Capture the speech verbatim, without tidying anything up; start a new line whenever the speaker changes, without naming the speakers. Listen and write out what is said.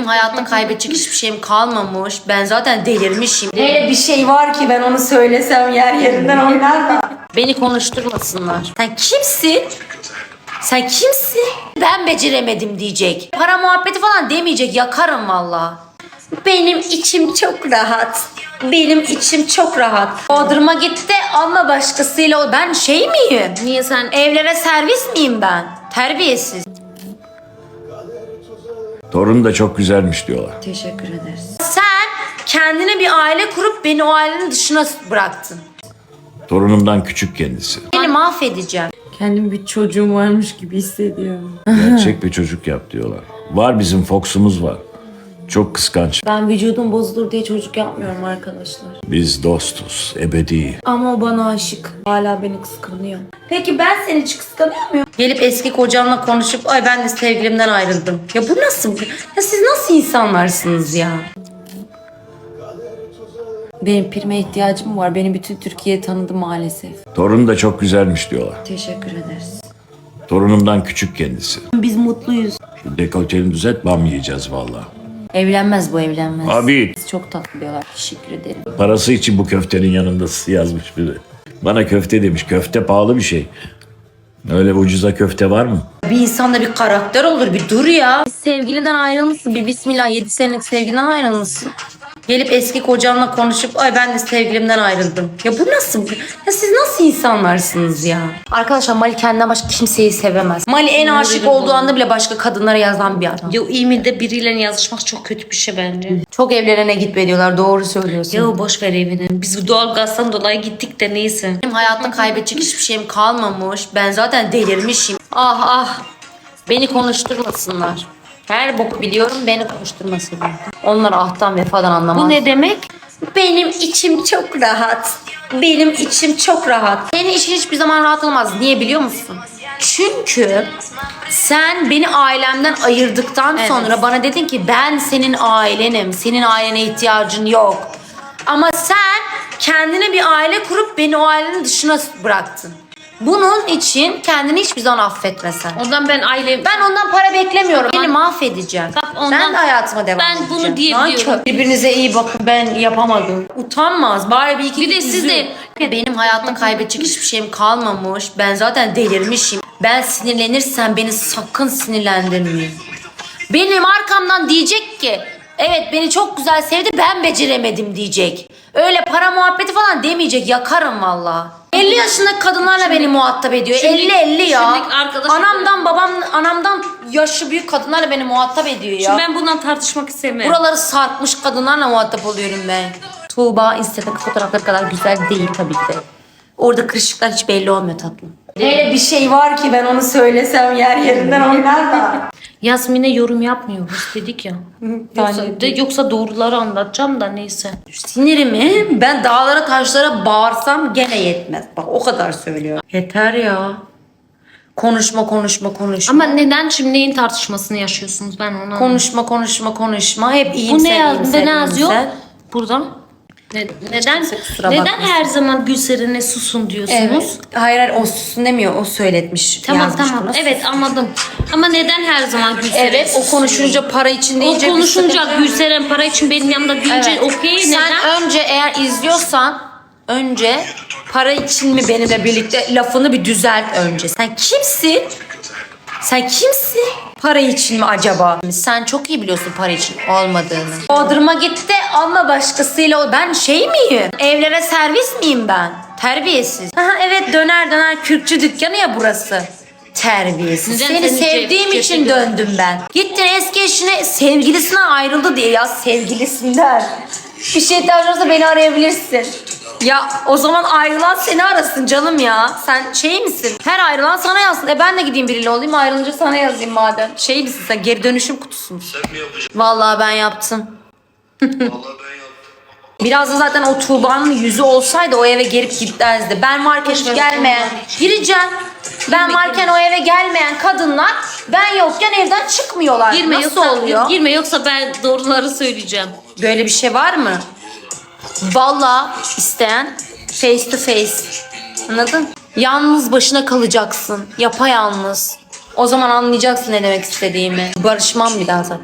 Benim hayatta kaybedecek hiçbir şeyim kalmamış. Ben zaten delirmişim.
Öyle bir şey var ki ben onu söylesem yer yerinden oynar da.
Beni konuşturmasınlar. Sen kimsin? Sen kimsin? Ben beceremedim diyecek. Para muhabbeti falan demeyecek. Yakarım valla. Benim içim çok rahat. Benim içim çok rahat. Bodrum'a gitti ama başkasıyla. Ben şey miyim?
Niye sen
Evlere servis miyim ben? Terbiyesiz.
Torun da çok güzelmiş diyorlar.
Teşekkür ederiz.
Sen kendine bir aile kurup beni o ailenin dışına bıraktın.
Torunumdan küçük kendisi.
Beni mahvedeceğim.
Kendim bir çocuğum varmış gibi hissediyorum.
Gerçek bir çocuk yap diyorlar. Var, bizim Fox'umuz var. Çok kıskanç.
Ben vücudum bozulur diye çocuk yapmıyorum arkadaşlar.
Biz dostuz, ebedi.
Ama o bana aşık. Hala beni kıskanıyor. Peki ben seni hiç kıskanıyor muyum?
Gelip eski kocamla konuşup ay ben de sevgilimden ayrıldım. Ya bu nasıl? Ya siz nasıl insanlarsınız ya?
Benim prime ihtiyacım var. Beni bütün Türkiye tanıdı maalesef.
Torun da çok güzelmiş diyorlar.
Teşekkür ederiz.
Torunumdan küçük kendisi.
Biz mutluyuz.
Şu dekolteni düzelt, bam yiyeceğiz valla.
Evlenmez bu evlenmez.
Abi
Çok tatlı diyorlar. Teşekkür ederim.
parası için bu köftenin yanında yazmış biri. Bana köfte demiş. Köfte pahalı bir şey. Öyle ucuza köfte var mı?
Bir insanda bir karakter olur, bir dur ya.
Sevgiliden ayrılmışsın. Bir bismillah yedi senelik sevgiliden ayrılmışsın.
Gelip eski kocamla konuşup ay ben de sevgilimden ayrıldım. Ya bu nasıl? Ya siz nasıl insanlarsınız ya? Arkadaşlar Mali kendinden başka kimseyi sevemez. Mali en aşık olduğu anda bile başka kadınlara yazan bir adam.
Ya İmil'de biriyle yazışmak çok kötü bir şey bence.
Çok evlerine gitme diyorlar, doğru söylüyorsun.
Ya boş ver evini. Biz bu doğalgazdan dolayı gittik de neyse.
Benim hayatta kaybedecek hiçbir şeyim kalmamış. Ben zaten delirmişim. Ah ah. Beni konuşturmasınlar. Her boku biliyorum, beni konuşturmasınlar. Onlar ahtan vefadan anlamaz.
Bu ne demek?
Benim içim çok rahat. Benim içim çok rahat. Senin için hiçbir zaman rahat olmaz. Niye biliyor musun? Çünkü sen beni ailemden ayırdıktan sonra bana dedin ki ben senin ailenim. Senin ailene ihtiyacın yok. Ama sen kendine bir aile kurup beni o ailenin dışına bıraktın. Bunun için kendini hiçbir zaman affetmesen.
Ondan ben ailem...
Ben ondan para beklemiyorum. Beni mahvedeceğim.
Bak ondan-
Ben de hayatıma devam
Ben
edeceğim.
bunu diyebiliyorum.
Nankör. Birbirinize iyi bakın, ben yapamadım. Utanmaz. Bari bir iki
Bir de siz de-
Benim hayatta kaybedecek hiçbir şeyim kalmamış. Ben zaten delirmişim. Ben sinirlenirsem beni sakın sinirlendirmeyin. Benim arkamdan diyecek ki evet beni çok güzel sevdi, ben beceremedim diyecek. Öyle para muhabbeti falan demeyecek. Yakarım valla. elli yaşındaki kadınlarla beni muhatap ediyor.
Şimdi-
elli elli ya.
şimdi arkadaşım-
Anamdan babam anamdan yaşlı büyük kadınlarla beni muhatap ediyor ya.
Şimdi ben bundan tartışmak istemem.
Buraları sarkmış kadınlarla muhatap oluyorum ben. Tuğba Instagram fotoğrafları kadar güzel değil tabii ki de. Orada kırışıklar hiç belli olmuyor tatlım.
Öyle bir şey var ki ben onu söylesem yer yerinden oynar da.
Yasmin'e yorum yapmıyoruz dedik ya. Yoksa, de, yoksa doğruları anlatacağım da neyse.
Sinirimi ben dağlara taşlara bağırsam gene yetmez. Bak o kadar söylüyor. Yeter ya. Konuşma konuşma konuşma.
Ama neden şimdi neyin tartışmasını yaşıyorsunuz ben onu
Konuşma konuşma konuşma. Hep iyiyim
Bu ne
sen
yazdı?
iyiyim
Ne
sen,
yazıyor?
iyiyim sen.
Burada. Ne- neden
kimse kusura
neden
bakmasın.
her zaman Gülseren'e susun diyorsunuz?
Evet. Hayır hayır o susun demiyor. O söyletmiş.
Tamam
yazmış
tamam.
bunu.
Evet anladım. Ama neden her zaman Gülseren
Evet o
susun?
konuşunca para için
O
deyince bir
konuşunca
sıkıntı-
Gülseren para için benim yanımda deyince
Evet.
okey
Sen
neden?
önce eğer izliyorsan önce para için mi benimle birlikte lafını bir düzelt önce. Sen kimsin? Sen kimsin? Para için mi acaba? Sen çok iyi biliyorsun para için olmadığını. Bodrum'a gitti ama başkasıyla. Ben şey miyim? Evlere servis miyim ben? Terbiyesiz. Aha, evet döner döner kürkçü dükkanı ya burası. Terbiyesiz.
Neden
Seni
seni
sevdiğim
cep-
için
cepte-
döndüm ben. Gittin eski eşine sevgilisine ayrıldı diye ya sevgilisinden. Bir şey ihtiyacın olursa beni arayabilirsin. Ya o zaman ayrılan seni arasın canım ya. Sen şey misin? Her ayrılan sana yazsın. E ben de gideyim biriyle olayım, ayrılınca sana yazayım madem. Şey misin sen, geri dönüşüm kutusu musun?
Sen mi yapacaksın?
Vallahi ben yaptım.
Vallahi ben yaptım.
Biraz da zaten o Tuğba'nın yüzü olsaydı o eve gelip gitmezdi. Ben varken hiç gelmeyen, gireceğim. Ben varken o eve gelmeyen kadınlar ben yokken evden çıkmıyorlar.
Girme
Nasıl
yoksa
oluyor?
girme yoksa ben doğruları söyleyeceğim.
Böyle bir şey var mı? Vallahi isteyen face to face. Anladın? Yalnız başına kalacaksın. Yapayalnız. O zaman anlayacaksın ne demek istediğimi. Barışmam bir daha zaten.